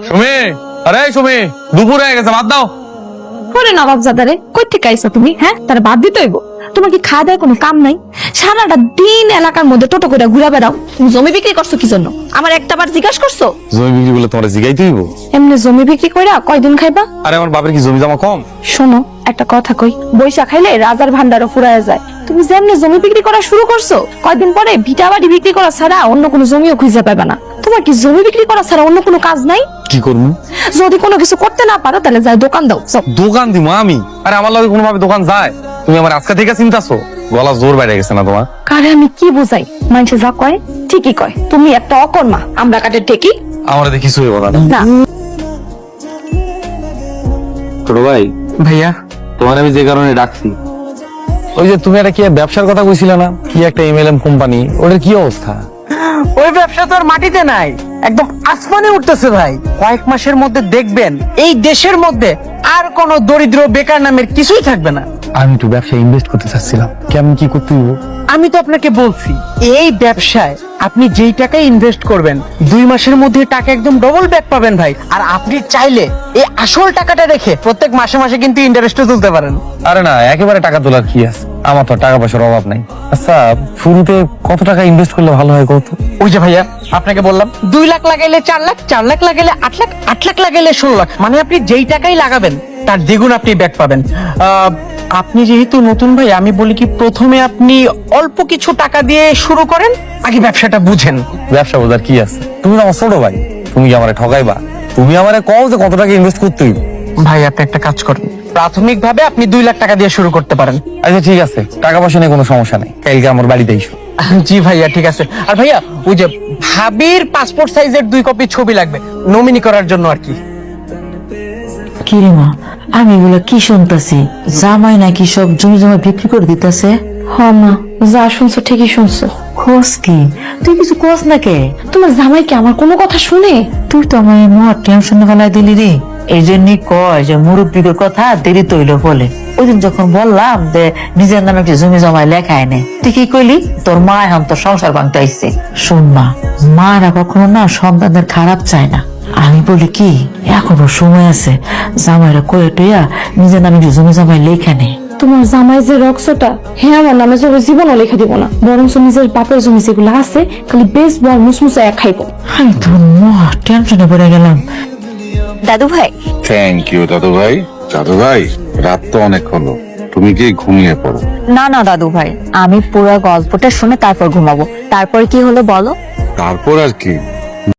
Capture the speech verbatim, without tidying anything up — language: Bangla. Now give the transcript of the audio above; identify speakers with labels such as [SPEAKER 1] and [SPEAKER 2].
[SPEAKER 1] সুমি, আরে সুমি, দুপুর হয়ে গেছে, ভাত দাও।
[SPEAKER 2] পরে নবাবজাদারে কই থেকে আইছো তুমি? হ্যাঁ, তার বাদ দিতে হইব। তোমার কি খাওয়া দাওয়ার কোনো কাম নাই? সারাটা দিন এলাকার মধ্যে টোটো করে ঘুরা বেড়াও। তুমি জমি বিক্রি করছো কি জন্য? আমার একটা বার জিজ্ঞাসা করছো?
[SPEAKER 1] জমি বিক্রি বলে তোমার জিগাইতে হইব?
[SPEAKER 2] এমনি জমি বিক্রি কইরা কয়দিন খাইবা?
[SPEAKER 1] আরে আমার বাপের কি জমি জমা কম?
[SPEAKER 2] শোনো একটা কথা কই, বৈশা খাইলে রাজার ভান্ডারও ফুরায় যায়। তুমি যেমনি জমি বিক্রি করা শুরু করছো, কয়দিন পরে ভিটা বাড়ি বিক্রি করা ছাড়া অন্য কোনো জমিও খুঁজে পাবে না। তোমার কি জমি বিক্রি করা ছাড়া অন্য কোনো কাজ নাই?
[SPEAKER 1] কি করবো?
[SPEAKER 2] যদি কোনো কিছু করতে না পারো তাহলে যাই দোকান দাও। সব
[SPEAKER 1] দোকান দিব আমি? আরে আমার লগে কোনোভাবে দোকান যায়? তুমি আমার আজকে থেকে চিন্তাছো? গলা জোর বাইরে গেছে না তোমার?
[SPEAKER 2] কারে আমি কি বুঝাই? মানুষে যা কয় ঠিকই কয়। তুমি একটা অকর্মা, আমরা কাটে ঠেকি
[SPEAKER 1] আমার দেখিস কথা না।
[SPEAKER 2] না।
[SPEAKER 1] ছোট ভাই,
[SPEAKER 3] ভাইয়া
[SPEAKER 1] তোমার আমি যে কারণে ডাকছি, ওই যে তুমি একটা কি ব্যবসার কথা কইছিলে না, কি একটা এমএলএম কোম্পানি, ওটার কি অবস্থা?
[SPEAKER 3] ওই ব্যবসা তো আর মাটিতে নাই, একদম আসমানে উঠতেছে ভাই। কয়েক মাসের মধ্যে দেখবেন এই দেশের মধ্যে আর কোন দরিদ্র বেকার নামের কিছুই থাকবে না।
[SPEAKER 1] আমি একটু ব্যবসায় ইনভেস্ট করতে চাচ্ছিলাম, কেমন কি করতে হইব?
[SPEAKER 3] আমি তো আপনাকে বলছি, এই ব্যবসায় আপনি যেই টাকা ইনভেস্ট করবেন দুই মাসের মধ্যে টাকা একদম ডবল ব্যাক পাবেন ভাই। আর আপনি চাইলে এই আসল টাকাটা রেখে প্রত্যেক মাসে মাসে কিন্তু ইন্টারেস্টও তুলতে পারেন।
[SPEAKER 1] আরে না, একেবারে টাকা তোলার কি আছে, আমার তো টাকা পয়সার অভাব নাই। আচ্ছা, শুরুতে কত টাকা ইনভেস্ট করলে ভালো হয় কত?
[SPEAKER 3] ওই যে ভাইয়া আপনাকে বললাম, দুই লাখ লাগাইলে চার লাখ, চার লাখ লাগাইলে আট লাখ, আট লাখ লাগাইলে ষোলো লাখ। মানে আপনি যেই টাকাই লাগাবেন তার দ্বিগুণ আপনি ব্যাক পাবেন। আহ, আপনি যেহেতু নতুন ভাই, আমি বলি কি প্রথমে আপনি অল্প কিছু টাকা দিয়ে শুরু করেন, আগে ব্যবসাটা বুঝেন।
[SPEAKER 1] ব্যবসা বোঝার কি আছে? তুমি তো আমার ছোট ভাই, তুমি কি আমারে ঠকাইবা? তুমি আমারে কও যে কত টাকা ইনভেস্ট করতে হইব।
[SPEAKER 3] ভাই আপনি একটা কাজ করেন, প্রাথমিক ভাবে আপনি দুই লাখ টাকা দিয়ে শুরু করতে পারেন।
[SPEAKER 1] আচ্ছা ঠিক আছে, টাকা পয়সা নিয়ে কোনো সমস্যা নেই, কালকে আমার বাড়িতে এসো।
[SPEAKER 3] জি ভাইয়া ঠিক আছে। আর ভাইয়া ওই যে ভাবির পাসপোর্ট সাইজের দুই কপি ছবি লাগবে নমিনি করার জন্য আর কি।
[SPEAKER 4] কিরিমা, আমি এগুলো কি শুনতেছি? জামাই নাকি সব জমি জমা বিক্রি করে দিতেছে?
[SPEAKER 2] হ মা, যা শুনছো ঠিকই শুনছো।
[SPEAKER 4] খোঁজ কি? তুই কিছু খোঁজ না কে?
[SPEAKER 2] তোমার জামাই কি আমার কোনো কথা শুনে?
[SPEAKER 4] তুই তো আমার মহা টেনশন ফেলাই দিলি রে। এই জন্যই কয় যে মুরব্বীর কথা দেরি তৈল বলে। ওই দিন যখন বললাম যে নিজের নামে একটি জমি জমায় লেখা এনে, তুই কি কইলি? তোর মা এখন তোর সংসার ভাঙতে আইছে। শোন মা, মারা কখনো না সন্তানদের খারাপ চায় না। আমি বলি কি, এখনো সময় আছে, জামাইরা কয়ে টইয়া নিজের নামে একটি জমি জমায় লেখা নে।
[SPEAKER 2] তোমার জামাই যে রক্সটা, হ্যাঁ আমার নামে জমি জীবনও লেখা দিব না, বরং নিজের বাপের জমি যেগুলো আছে খালি বেশ বল মুসমুসা এক খাইব।
[SPEAKER 4] আমি তো মহা টেনশনে পড়ে গেলাম।
[SPEAKER 2] দাদু ভাই,
[SPEAKER 5] থ্যাংক ইউ দাদু ভাই। দাদু ভাই, রাত তো অনেক হলো, তুমি কি ঘুমিয়ে পড়ো।
[SPEAKER 6] না না দাদু ভাই, আমি পুরো গল্পটা শুনে তারপর ঘুমাবো। তারপর কি হলো বলো?
[SPEAKER 5] তারপর আর কি,